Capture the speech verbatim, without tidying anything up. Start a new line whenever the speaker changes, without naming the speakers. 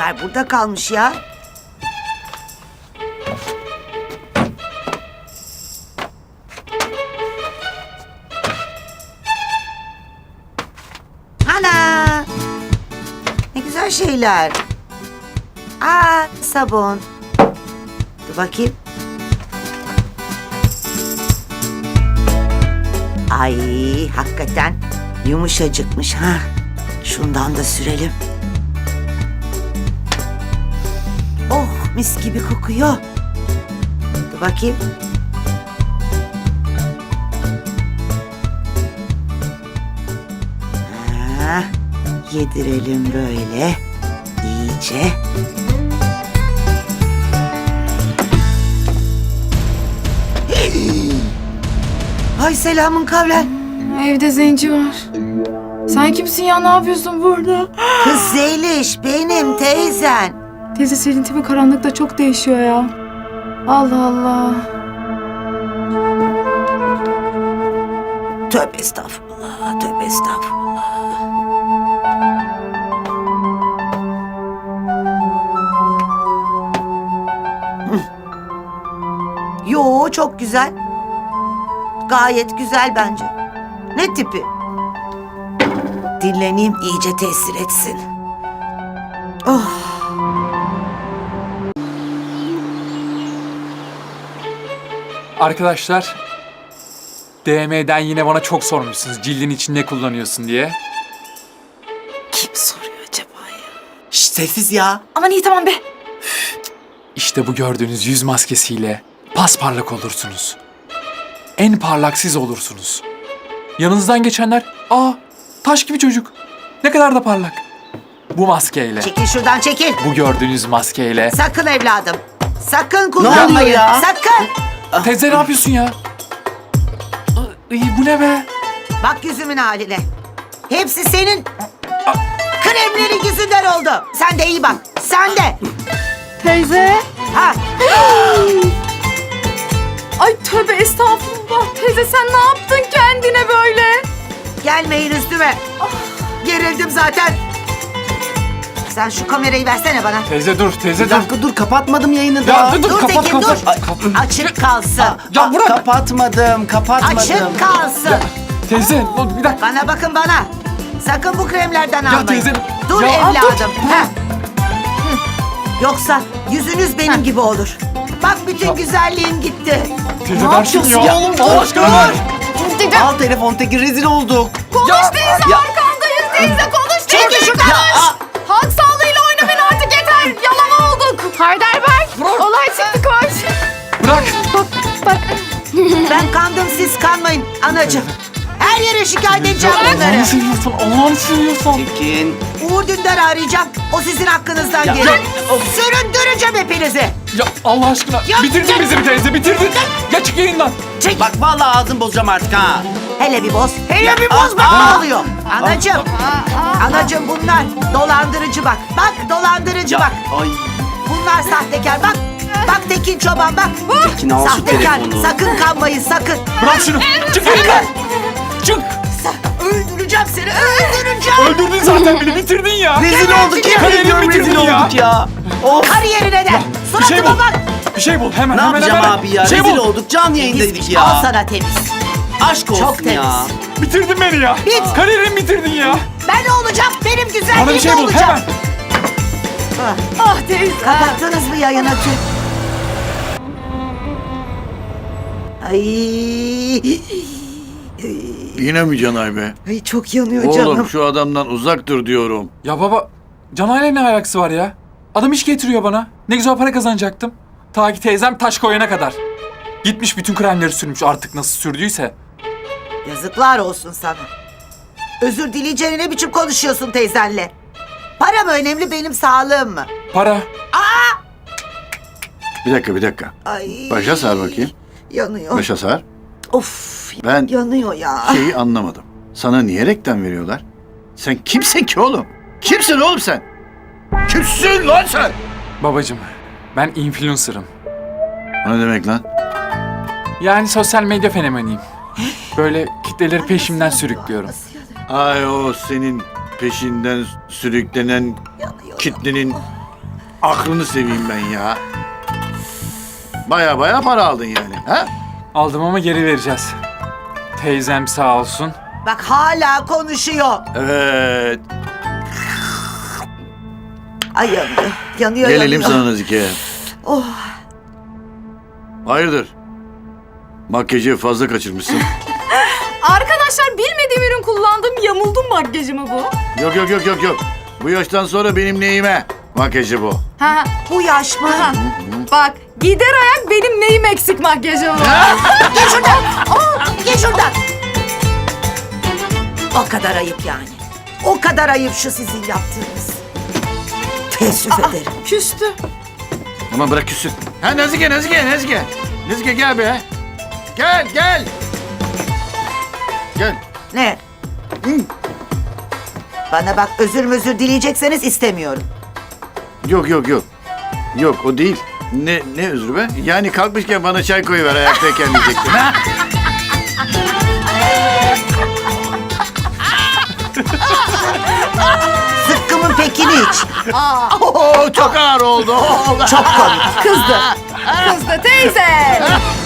Bunlar burada kalmış ya. Ana! Ne güzel şeyler. Aa, sabun. Dur bakayım. Ay, hakikaten yumuşacıkmış ha. Şundan da sürelim. Oh, mis gibi kokuyor. Dur bakayım. Ha, yedirelim böyle. İyice. Ay selamın kavlen.
Evde zenci var. Sen kimsin ya? Ne yapıyorsun burada?
Kız Zeliş benim teyzen.
Teyze senin tipi karanlıkta çok değişiyor ya. Allah Allah.
Tövbe estağfurullah, tövbe estağfurullah. Hı. Yo, çok güzel. Gayet güzel bence. Ne tipi? Dinleneyim, iyice tesir etsin. Oh.
Arkadaşlar, D M'den yine bana çok sormuşsunuz cildin için ne kullanıyorsun diye.
Kim soruyor acaba ya? Şşt, sessiz ya.
Aman iyi tamam be.
İşte bu gördüğünüz yüz maskesiyle pasparlak olursunuz. En parlak siz olursunuz. Yanınızdan geçenler, aa taş gibi çocuk. Ne kadar da parlak. Bu maskeyle,
Çekil şuradan, çekil.
bu gördüğünüz maskeyle.
Sakın evladım. Sakın kullanmayın.
ya?
Sakın.
Teyze ne yapıyorsun ya? Ay, bu ne be?
Bak yüzümün haline. Hepsi senin kremlerin yüzünden oldu. Sen de iyi bak. Sen de.
Teyze.
Ha.
Ay tövbe estağfurullah. Teyze sen ne yaptın kendine böyle?
Gelmeyin üstüme. Gerildim zaten. Sen şu kamerayı versene bana.
Teyze dur, teyze
Bir
dur.
dakika dur kapatmadım yayını
Ya
daha.
dur dur,
Dur
kapat
Tekin,
kapat.
dur.
Kap-
Açık kalsın.
Ya bırak.
Kapatmadım kapatmadım.
Açık kalsın.
Teyze dur, bir dakika.
Bana bakın bana. Sakın bu kremlerden almayın.
teyze,
Dur
ya
evladım. Heh. Hı. Yoksa yüzünüz benim gibi olur. Bak bütün güzelliğim gitti.
Teyze
Ne
ver şunu
yapıyorsun
ya.
oğlum?
Allah
Dur,
aşkına
dur.
ver.
Al telefon Tekin rezil olduk.
Konuş
Ya-
teyze
Ya-
arkandayız teyze konuş.
Çekil
teyze,
şuradan.
konuş. Halk sağlığıyla oynamayın artık yeter. Yalama olduk. Haydar Bey. Olay çıktı koş.
Bırak.
Ben kandım, siz kanmayın anacığım. Her yere şikayet edeceğim bunları.
Allah'ını seviyorsan, Allah'ını seviyorsan.
Tekin.
Uğur Dündar'ı arayacağım. O sizin hakkınızdan
Ya-
gelir.
Ya-
Süründüreceğim hepinizi.
Ya Allah aşkına.
Ya-
bitirdin bizi bir teyze, bitirdin. Ya çık yayından.
Çek.
Bak vallahi ağzım bozacağım artık ha.
Hele bir boz. Hele
Ya-
bir boz bak
Aa!
ne oluyor. Anacığım. Anacığım bunlar dolandırıcı bak. Bak dolandırıcı
Ya,
bak.
Ay.
Bunlar sahtekar bak. Bak Tekin Çoban bak.
Tekin al şu
Sahtekar.
telefonu.
Sakın kanmayın sakın.
Bırak şunu. Çık yayından. Çık.
Sa- Öldüreceğim seni. Öldüreceğim.
Öldürdün zaten beni, bitirdin ya.
Rezil olduk ya.
Kariyerini
Ediyorum, rezil
bitirdin ya.
olduk ya. Of.
Kariyerine de.
Bir şey bul.
Suratıma bak.
Bir şey bul. Hemen
Ne
hemen
yapacağım
hemen.
abi ya?
Bir şey
Rezil
bul.
olduk. Canlı yayındaydık
Al
ya.
sana temiz.
Aşk olsun
Çok temiz.
ya.
Bitirdin beni ya.
Bit.
Kariyerimi bitirdin ya.
Ben ne olacağım? Benim güzelliğim
Bana bir şey
ne
bul
olacak?
hemen.
Ah,
Ah teyze.
kapattınız mı yayını? Ay.
Yine mi Canay be?
Ay çok yanıyor
Oğlum
canım.
şu adamdan uzak dur diyorum.
Ya baba, Canay'la ne alakası var ya? Adam iş getiriyor bana. Ne güzel para kazanacaktım. Ta ki teyzem taş koyana kadar. Gitmiş bütün kremleri sürmüş artık nasıl sürdüyse.
Yazıklar olsun sana. Özür dileyeceğine ne biçim konuşuyorsun teyzenle? Para mı önemli, benim sağlığım mı?
Para.
Bir dakika bir dakika.
Ay.
Başa sar bakayım.
Yanıyor.
Başa sar.
Of.
Ben
Yanıyor ya.
şeyi anlamadım. Sana niye reklam veriyorlar? Sen kimsin ki oğlum? Kimsin oğlum sen? Kimsin lan sen?
Babacım, ben influencer'ım.
O ne demek lan?
Yani sosyal medya fenomeniyim. Böyle kitleleri peşimden sürüklüyorum.
Ay o senin peşinden sürüklenen
Yanıyor.
kitlenin aklını seveyim ben ya. Baya baya para aldın yani. Ha?
Aldım ama geri vereceğiz. Teyzem sağ olsun.
Bak hala konuşuyor.
Evet.
Ay yanıyor. Yanıyor
Gelelim
yanıyor.
sana Nazike.
Oh.
Hayırdır? Makyajı fazla kaçırmışsın.
Arkadaşlar bilmediğim ürün kullandım. Yamuldum makyajımı bu.
Yok yok yok yok yok. Bu yaştan sonra benim neyime? Makyajı bu.
Ha,
Bu yaş mı?
ha. Bak gider ayak benim neyim eksik makyajım bu.
Gel şuradan. Oh, gel şuradan. O kadar ayıp yani. O kadar ayıp şu sizin yaptığınız. Teessüf ederim.
Küstü.
Aman bırak küssün. Ha Nazike Nazike Nazike. Nazike gel be. Gel gel. Gel.
Ne? Hı. Bana bak özür özür dileyecekseniz istemiyorum.
Yok yok yok. Yok o değil. Ne ne özrü be? Yani kalkmışken bana çay koyuver ayaktayken diyecektin. Ha?
Zıkkımın pekini iç.
Oo, çok ağır oldu.
Çok komik.
Kızdı. Kızdı teyze.